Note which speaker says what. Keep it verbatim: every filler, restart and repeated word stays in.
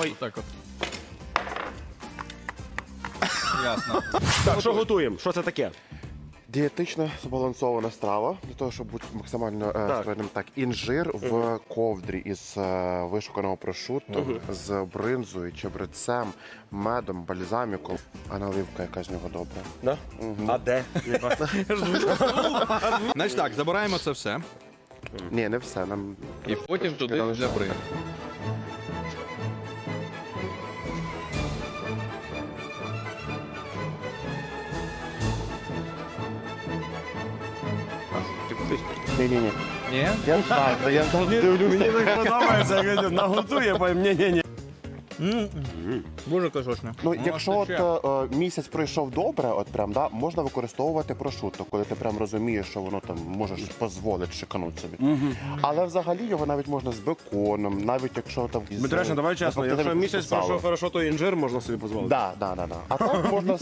Speaker 1: Ой.
Speaker 2: Так от. Ясно.
Speaker 1: Так, що готуємо? Що це таке?
Speaker 3: Дієтично збалансована страва, для того, щоб бути максимально е, стройним. Так, інжир в ковдрі із е, вишуканого прошутто, з бринзою, чебрецем, медом, бальзаміком, а наливка якась в нього добра.
Speaker 1: Да? А де?
Speaker 2: Значить так, забираємо це все.
Speaker 3: Ні, не все. Нам
Speaker 2: І потім туди для бри.
Speaker 3: ні-ні-ні.
Speaker 2: Ні?
Speaker 3: Я так, я
Speaker 1: Мені так подобається, як наготує, потім ні-ні-ні.
Speaker 2: Дуже кашошне.
Speaker 3: Ну, якщо от е, місяць пройшов добре, от прям, да, можна використовувати прошутто, коли ти прям розумієш, що воно там можеш дозволити шиканути собі. Але взагалі його навіть можна з беконом, навіть якщо там... із-
Speaker 1: Дмитречна, давай чесно,
Speaker 3: тобто,
Speaker 1: якщо
Speaker 3: ти
Speaker 1: місяць
Speaker 3: сало.
Speaker 1: пройшов хорошо, то інжир можна собі дозволити.
Speaker 3: Да, да, да, да. А так можна